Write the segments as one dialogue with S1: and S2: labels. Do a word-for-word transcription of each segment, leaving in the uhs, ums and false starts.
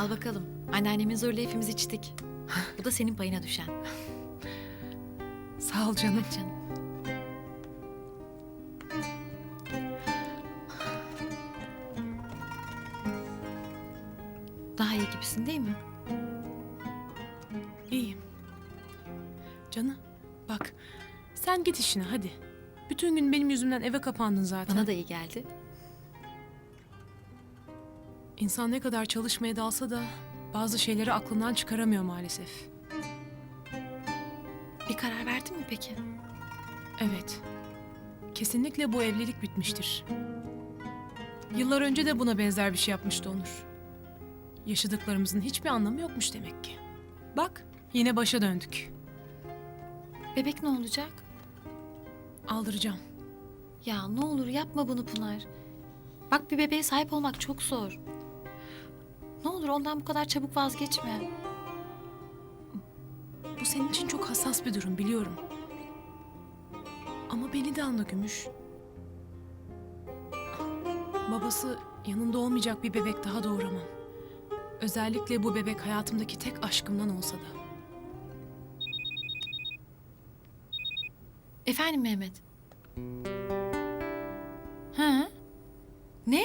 S1: Al bakalım. Anneannemin zoruyla hepimiz içtik. Bu da senin payına düşen.
S2: Sağ ol canım.
S1: Bak canım. Daha iyi gibisin değil mi?
S2: İyiyim. Canım bak sen git işine hadi. Bütün gün benim yüzümden eve kapandın zaten.
S1: Bana da iyi geldi.
S2: İnsan ne kadar çalışmaya dalsa da bazı şeyleri aklından çıkaramıyor maalesef.
S1: Bir karar verdin mi peki?
S2: Evet. Kesinlikle bu evlilik bitmiştir. Yıllar önce de buna benzer bir şey yapmıştı Onur. Yaşadıklarımızın hiçbir anlamı yokmuş demek ki. Bak yine başa döndük.
S1: Bebek ne olacak?
S2: Aldıracağım.
S1: Ya ne olur yapma bunu Pınar. Bak bir bebeğe sahip olmak çok zor. Ne olur ondan bu kadar çabuk vazgeçme.
S2: Bu senin için çok hassas bir durum biliyorum. Ama beni de anla Gümüş. Babası yanında olmayacak bir bebek daha doğuramam. Özellikle bu bebek hayatımdaki tek aşkımdan olsa da.
S1: Efendim Mehmet? Ha? Ne?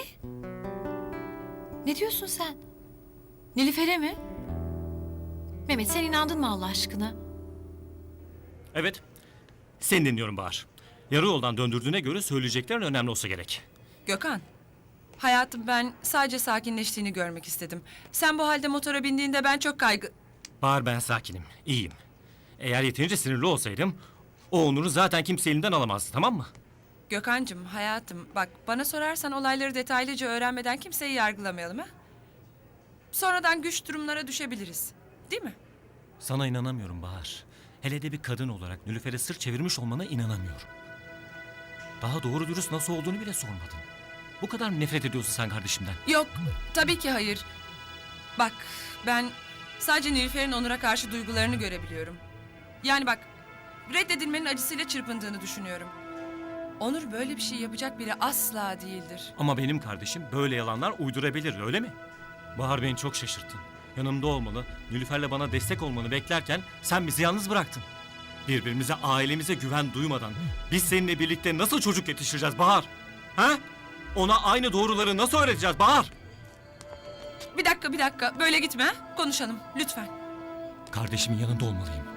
S1: Ne diyorsun sen? Nilüfer'e mi? Mehmet sen inandın mı Allah aşkına?
S3: Evet. Seni dinliyorum Bahar. Yarı yoldan döndürdüğüne göre söyleyeceklerin önemli olsa gerek.
S4: Gökhan, hayatım ben sadece sakinleştiğini görmek istedim. Sen bu halde motora bindiğinde ben çok kaygı...
S3: Bahar ben sakinim, iyiyim. Eğer yeterince sinirli olsaydım o Onur'u zaten kimse elinden alamazdı, tamam mı?
S4: Gökhan'cığım, hayatım bak bana sorarsan olayları detaylıca öğrenmeden kimseyi yargılamayalım ha? Sonradan güç durumlara düşebiliriz. Değil mi?
S3: Sana inanamıyorum Bahar. Hele de bir kadın olarak Nilüfer'e sırt çevirmiş olmana inanamıyorum. Daha doğru dürüst nasıl olduğunu bile sormadın. Bu kadar mı nefret ediyorsun sen kardeşimden?
S4: Yok, tabii ki hayır. Bak, ben sadece Nilüfer'in Onur'a karşı duygularını görebiliyorum. Yani bak, reddedilmenin acısıyla çırpındığını düşünüyorum. Onur böyle bir şey yapacak biri asla değildir.
S3: Ama benim kardeşim böyle yalanlar uydurabilir, öyle mi? Bahar beni çok şaşırttın. Yanımda olmalı, Nilüfer'le bana destek olmanı beklerken sen bizi yalnız bıraktın. Birbirimize, ailemize güven duymadan biz seninle birlikte nasıl çocuk yetiştireceğiz Bahar? Ha? Ona aynı doğruları nasıl öğreteceğiz Bahar?
S4: Bir dakika, bir dakika. Böyle gitme ha? Konuşalım, lütfen.
S3: Kardeşimin yanında olmalıyım.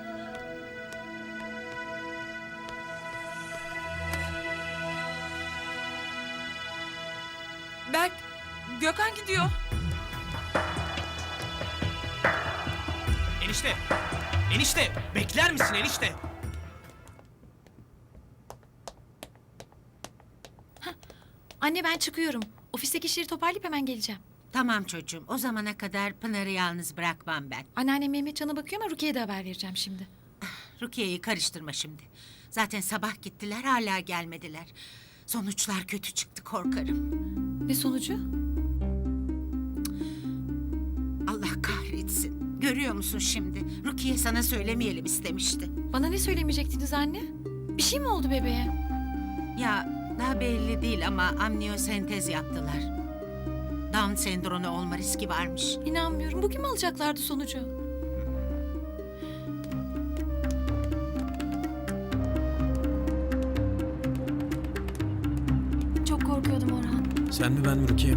S4: Berk, Gökhan gidiyor.
S5: Enişte! Enişte! Bekler misin enişte?
S1: Anne ben çıkıyorum. Ofisteki işleri toparlayıp hemen geleceğim.
S6: Tamam çocuğum. O zamana kadar Pınar'ı yalnız bırakmam ben.
S1: Anneannem Mehmetcan'a bakıyor ama Rukiye'ye de haber vereceğim şimdi.
S6: Rukiye'yi karıştırma şimdi. Zaten sabah gittiler hala gelmediler. Sonuçlar kötü çıktı korkarım.
S1: Ne sonucu?
S6: Allah kahretsin. Görüyor musun şimdi? Rukiye sana söylemeyelim istemişti.
S1: Bana ne söylemeyecektiniz anne? Bir şey mi oldu bebeğe?
S6: Ya daha belli değil ama amniyosentez yaptılar. Down sendromu olma riski varmış.
S1: İnanmıyorum. Bugün mü alacaklardı sonucu?
S7: Çok korkuyordum Orhan.
S5: Sen mi ben mi Rukiye?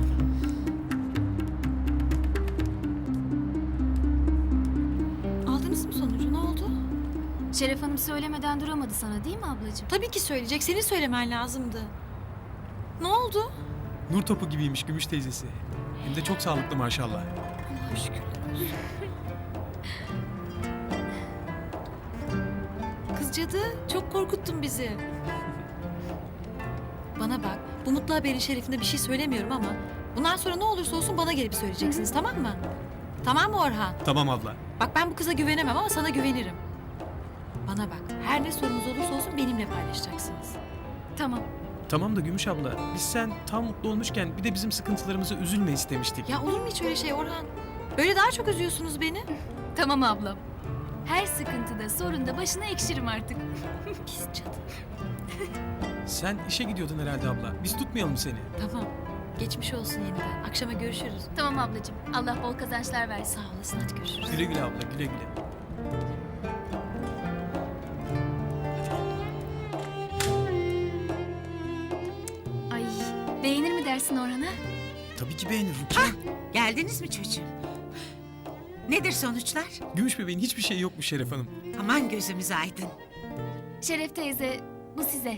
S1: Aldınız mı sonucu? Ne oldu?
S7: Şeref Hanım söylemeden duramadı sana değil mi ablacığım?
S1: Tabii ki söyleyecek. Senin söylemen lazımdı. Ne oldu?
S8: Nur topu gibiymiş Gümüş teyzesi. Hem de çok sağlıklı maşallah.
S1: Allah'a şükürler olsun. Kız cadı, çok korkuttun bizi. Bana bak, bu mutlu haberin şerefinde bir şey söylemiyorum ama... ...bundan sonra ne olursa olsun bana gelip söyleyeceksiniz, tamam mı? Tamam mı Orhan?
S8: Tamam abla.
S1: Bak ben bu kıza güvenemem ama sana güvenirim. Bana bak, her ne sorunuz olursa olsun benimle paylaşacaksınız.
S7: Tamam.
S8: Tamam da Gümüş abla, biz sen tam mutlu olmuşken bir de bizim sıkıntılarımıza üzülme istemiştik.
S1: Ya olur mu hiç öyle şey Orhan? Böyle daha çok üzüyorsunuz beni.
S7: Tamam ablam. Her sıkıntıda, sorunda başına ekşirim artık.
S1: Pis cadı.
S8: Sen işe gidiyordun herhalde abla. Biz tutmayalım seni.
S1: Tamam, Geçmiş olsun yeniden. Akşama görüşürüz.
S7: Tamam ablacığım. Allah bol kazançlar versin.
S1: Sağ olasın, hadi görüşürüz.
S8: Güle güle abla, güle güle.
S7: Ay, beğenir mi dersin Orhan'a?
S8: Tabii ki beğenir Rukiye.
S6: Geldiniz mi çocuğum? Nedir sonuçlar?
S8: Gümüş bebeğin hiçbir şeyi yokmuş Şeref Hanım.
S6: Aman gözümüz aydın.
S7: Şeref teyze, bu size.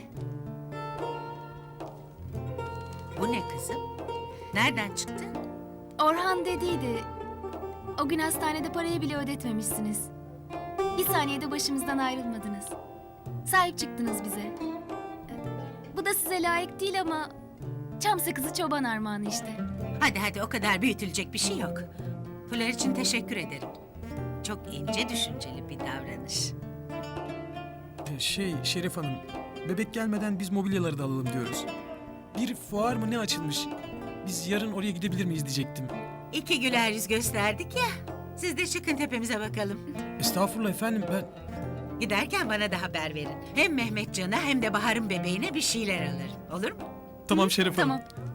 S6: Bu ne kızım? Nereden çıktı?
S7: Orhan dediydi. O gün hastanede parayı bile ödetmemişsiniz. Bir saniyede başımızdan ayrılmadınız. Sahip çıktınız bize. Bu da size layık değil ama... Çam sakızı çoban armağanı işte.
S6: Hadi hadi o kadar büyütülecek bir şey yok. Fular için teşekkür ederim. Çok ince düşünceli bir davranış.
S8: Ee, Şey Şeref Hanım, bebek gelmeden biz mobilyaları da alalım diyoruz. Bir fuar mı ne açılmış? Biz yarın oraya gidebilir miyiz diyecektim.
S6: İki güler yüz gösterdik ya. Siz de çıkın tepemize bakalım.
S8: Estağfurullah efendim, ben...
S6: Giderken bana da haber verin. Hem Mehmetcan'a hem de Bahar'ın bebeğine bir şeyler alırım. Olur mu?
S8: Tamam Şeref Hanım.
S7: Tamam.